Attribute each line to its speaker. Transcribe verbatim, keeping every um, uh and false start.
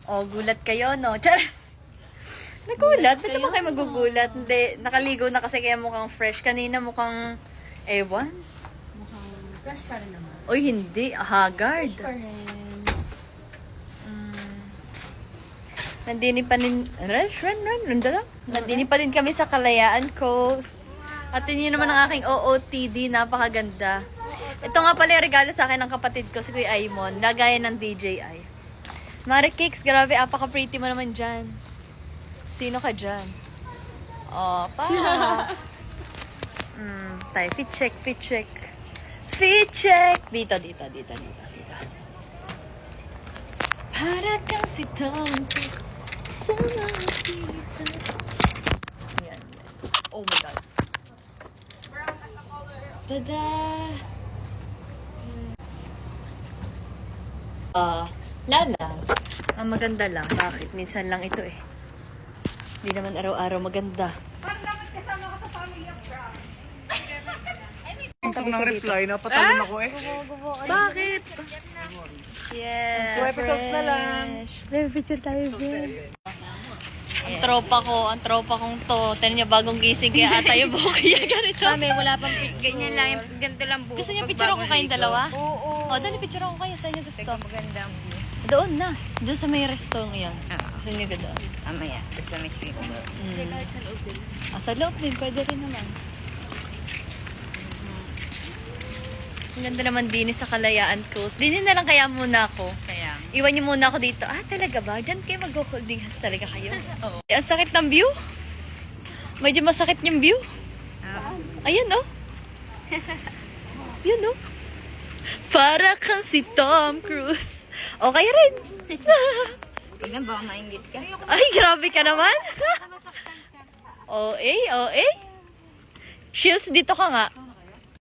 Speaker 1: O, gulat kayo, no? Charas! Nagulat? Ba't naman kayo magugulat? Hindi, nakaligo na kasi kaya mukhang fresh. Kanina mukhang, ewan.
Speaker 2: Mukhang fresh pa rin naman.
Speaker 1: Uy, hindi. Haggard.
Speaker 2: Fresh pa rin.
Speaker 1: Mm. Nandini pa rin, run, run, run, run, run, Nandini pa din kami sa Kalayaan Coast. At yun naman ang aking O O T D. Napakaganda. Ito nga pala yung regalo sa akin ng kapatid ko, si Kuya Aimon. Lagayan ng D J I. Mari Kicks, grabe, apaka-pretty mo naman dyan. Sino ka dyan? Oh, pa. mm, tayo, fit check, fit check. Fit check! Dito, dito, dito, dito, dito. Para kang si Tom sa mga dito. Ayan. Oh my God. Tada! Ah, uh, Lala. Ah, maganda lang. Bakit? Minsan lang ito eh. Hindi naman araw-araw maganda.
Speaker 3: Parang dapat kasama ka sa family of Brown.
Speaker 4: Gusto ko ng reply, napatalon ako eh.
Speaker 1: Bakit? Yeah.
Speaker 4: Two episodes na lang.
Speaker 1: May picture tayo, Ben. Ang tropa ko, ang tropa kong to. Tayo niya bagong gising kaya ata yung buhok kaya ganito.
Speaker 2: Kami, wala pang ganyan lang. Yung ganito lang buhok.
Speaker 1: Gusto niya picture ko kayong dalawa?
Speaker 2: Oo.
Speaker 1: O, dali picture ko kayo. Saan niyo gusto?
Speaker 2: Teka, maganda ang view.
Speaker 1: Doon na. Doon sa may restaurant yan.
Speaker 2: Ah,
Speaker 1: Saan niyo doon?
Speaker 2: amaya. Gusto may swimming pool.
Speaker 1: Mm. Ah, sa loob din. Pwede rin naman. Ang ganda naman din sa Kalayaan Coast. Dinin na lang kaya muna ako.
Speaker 2: Kaya.
Speaker 1: Iwan niyo muna ako dito. Ah, talaga ba? Diyan kayo mag-holding hands talaga kayo?
Speaker 2: Oo.
Speaker 1: Eh, ang sakit ng view. Medyo masakit yung view.
Speaker 2: Ah.
Speaker 1: Ayan, oh. Yun, oh. Para kang si Tom Cruise. O, kayo rin.
Speaker 2: Tignan, baka maingit ka.
Speaker 1: Ay, grabe ka naman. O, eh, o, eh. Shields, dito ka nga.